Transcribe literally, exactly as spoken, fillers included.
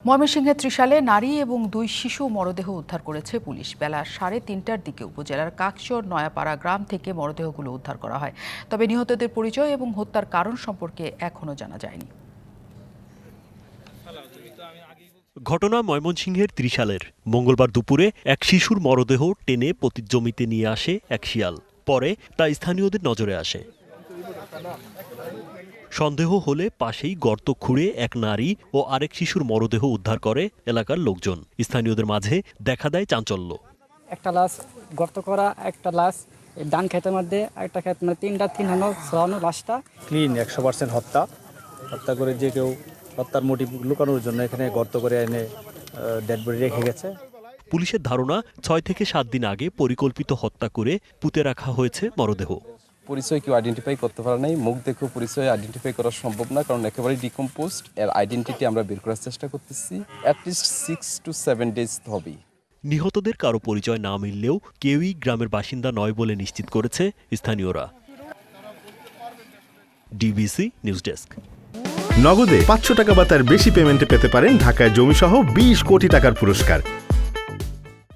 ময়মনসিংহের ত্রিশালে নারী এবং দুই শিশু মরদেহ উদ্ধার করেছে পুলিশ। বেলা সাড়ে তিনটার দিকে উপজেলার কাকচর নয়াপাড়া গ্রাম থেকে মরদেহগুলো উদ্ধার করা হয়। তবে নিহতদের পরিচয় এবং হত্যার কারণ সম্পর্কে এখনো জানা যায়নি। ঘটনা ময়মনসিংহের ত্রিশালের। মঙ্গলবার দুপুরে এক শিশুর মরদেহ টেনে পতিত জমিতে নিয়ে আসে এক শিয়াল। পরে তা স্থানীয়দের নজরে আসে। সন্দেহ হলে পাশেই গর্ত খুঁড়ে এক নারী ও আরেক শিশুর মরদেহ উদ্ধার করে এলাকার লোকজন। স্থানীয়দের মাঝে দেখা দেয় চাঞ্চল্য। একটা লাশ গর্ত করা, একটা লাশ ডান ক্ষেতের মধ্যে, একটা ক্ষেত মানে তিনটা তিন হানো ছড়ানো লাশটা ক্লিন একশো পার্সেন্ট হত্যা হত্যা করে যে কেউ হত্যার মোটিভ লুকানোর জন্য এখানে গর্ত করে এনে ডেড বডি রেখে গেছে। পুলিশের ধারণা ছয় থেকে সাত দিন আগে পরিকল্পিত হত্যা করে পুঁতে রাখা হয়েছে মরদেহ। পরিচয় কেউ আইডেন্টিফাই করতে পারে নাই, মুখ দেখেও পরিচয় আইডেন্টিফাই করা সম্ভব না, কারণ একেবারেই ডিকম্পোজড। এর আইডেন্টিটি আমরা বের করার চেষ্টা করতেছি। At least six to seven days হবেই। নিহতদের কারো পরিচয় না মিললেও কেউই গ্রামের বাসিন্দা নয় বলে নিশ্চিত করেছে স্থানীয়রা। DBC news desk. নগদে পাঁচশো টাকা বা তার বেশি পেমেন্টে পেতে পারেন ঢাকায় জমিসহ বিশ কোটি টাকার পুরস্কার।